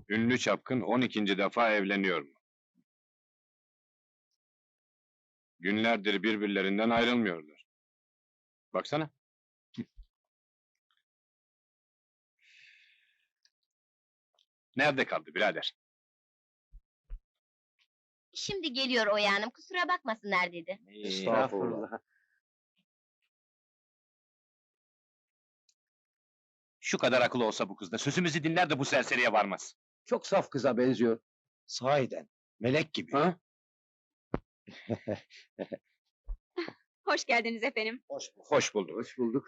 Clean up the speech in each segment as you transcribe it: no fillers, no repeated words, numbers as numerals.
Ünlü çapkın 12. defa evleniyor mu? Günlerdir birbirlerinden ayrılmıyorlar. Baksana. Nerede kaldı birader? Şimdi geliyor Oya Hanım, kusura bakmasınlar dedi. Estağfurullah. Şu kadar akıl olsa bu kızda, sözümüzü dinler de bu serseriye varmaz. Çok saf kıza benziyor. Sahiden, melek gibi. Ha? Hoş geldiniz efendim. Hoş bulduk. Hoş bulduk.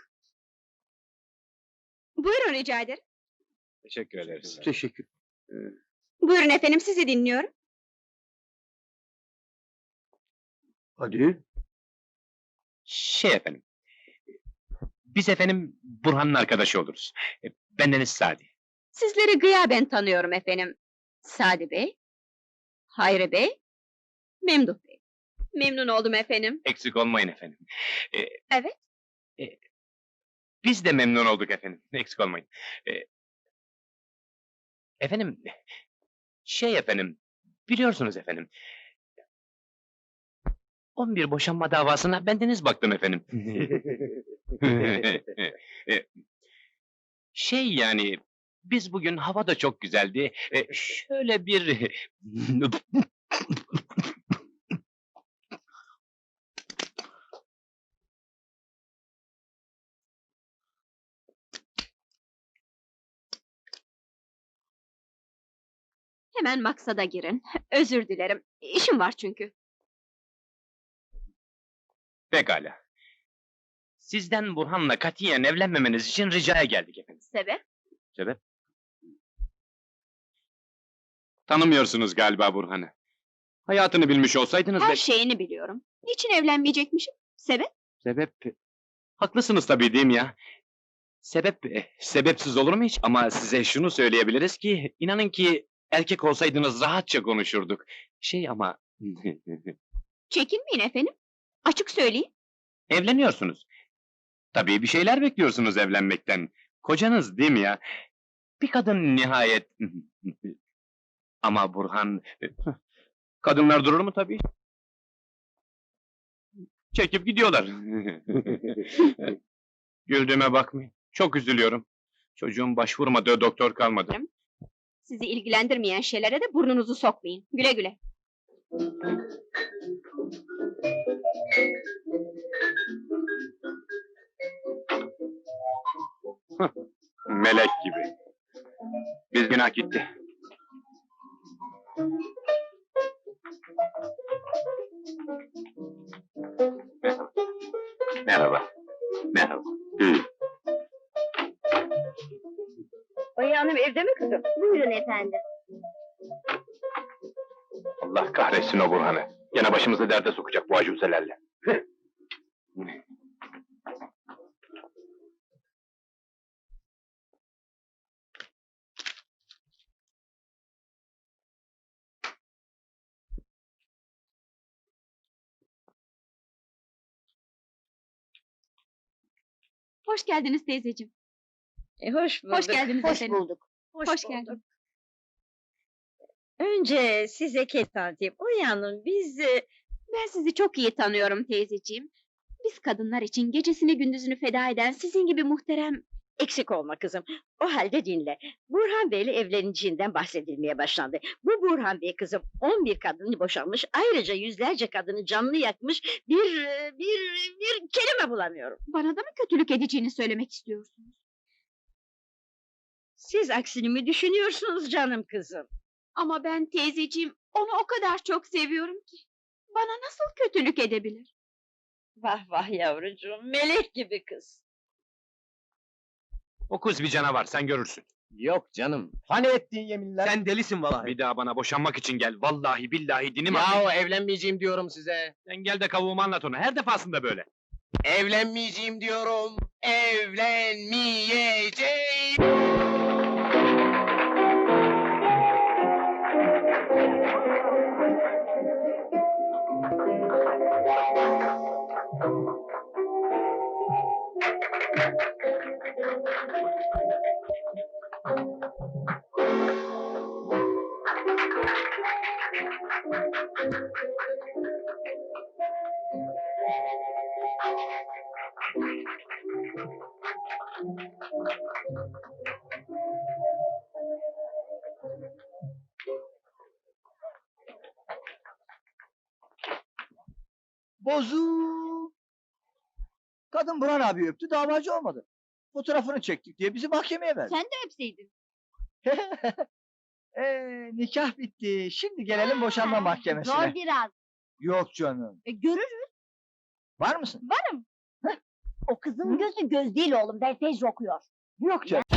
Buyurun rica ederim. Teşekkür ederiz. Teşekkür. Buyurun efendim, sizi dinliyorum. Hadi. Şey efendim, biz efendim Burhan'ın arkadaşı oluruz. Bendeniz Sadi. Sizleri gıyaben tanıyorum efendim. Sadi Bey, Hayri Bey, Memduh Bey. Memnun oldum efendim. Eksik olmayın efendim. Evet. Biz de memnun olduk efendim, eksik olmayın. Efendim, şey efendim, biliyorsunuz efendim... 11 boşanma davasına bendeniz baktım efendim. Şey yani, biz bugün hava da çok güzeldi. Şöyle bir... Hemen maksada girin. Özür dilerim. İşim var çünkü. Pekala. Sizden Burhan'la katiyen evlenmemeniz için ricaya geldik efendim. Sebep? Sebep? Tanımıyorsunuz galiba Burhan'ı. Hayatını bilmiş olsaydınız Her şeyini biliyorum. Niçin evlenmeyecekmişim? Sebep? Sebep... Haklısınız tabii değil mi ya? Sebep... sebepsiz olur mu hiç? Ama size şunu söyleyebiliriz ki... inanın ki erkek olsaydınız rahatça konuşurduk. Şey ama... Çekinmeyin efendim. Açık söyleyin. Evleniyorsunuz. Tabii bir şeyler bekliyorsunuz evlenmekten. Kocanız değil mi ya? Bir kadın nihayet... Ama Burhan... Kadınlar durur mu tabii? Çekip gidiyorlar. Güldüğüme bakmayın. Çok üzülüyorum. Çocuğun başvurmadığı doktor kalmadı. Sizi ilgilendirmeyen şeylere de burnunuzu sokmayın. Güle güle. Melek gibi. Biz günah gitti. Merhaba. Merhaba. Oya Hanım evde mi kızım? Buyurun efendim. Allah kahretsin o Burhan'ı. Gene başımızı derde sokacak bu acuzelerle. Hoş geldiniz teyzeciğim. Hoş bulduk. Hoş geldiniz Hoş efendim. bulduk. Hoş geldin. Önce size tanıtayım. Uyanın, Ben sizi çok iyi tanıyorum teyzeciğim. Biz kadınlar için gecesini gündüzünü feda eden sizin gibi muhterem... eksik olma kızım. O halde dinle. Burhan Bey'le evleneceğinden bahsedilmeye başlandı. Bu Burhan Bey kızım 11 kadını boşanmış, ayrıca yüzlerce kadını canlı yakmış, bir kelime bulamıyorum. Bana da mı kötülük edeceğini söylemek istiyorsunuz? Siz aksini mi düşünüyorsunuz canım kızım? Ama ben teyzeciğim, onu o kadar çok seviyorum ki... Bana nasıl kötülük edebilir? Vah vah yavrucuğum, melek gibi kız. O kız bir canavar, sen görürsün. Yok canım, hani ettiğin yeminler? Sen delisin vallahi. Bir daha bana boşanmak için gel. Vallahi billahi dinim Yahu evlenmeyeceğim diyorum size. Sen gel de kavuğumu anlat ona. Her defasında böyle. Evlenmeyeceğim diyorum. Evlenmeyeceğim. Bozuk. Kadın Burhan abi öptü, davacı olmadı. Fotoğrafını çektik diye bizi mahkemeye verdi. Sen de öpseydin. Nikah bitti. Şimdi gelelim boşanma mahkemesine. Zor biraz. Yok canım. Görürüz. Var mısın? O kızın gözü göz değil oğlum. Ben tez okuyor. Yok canım.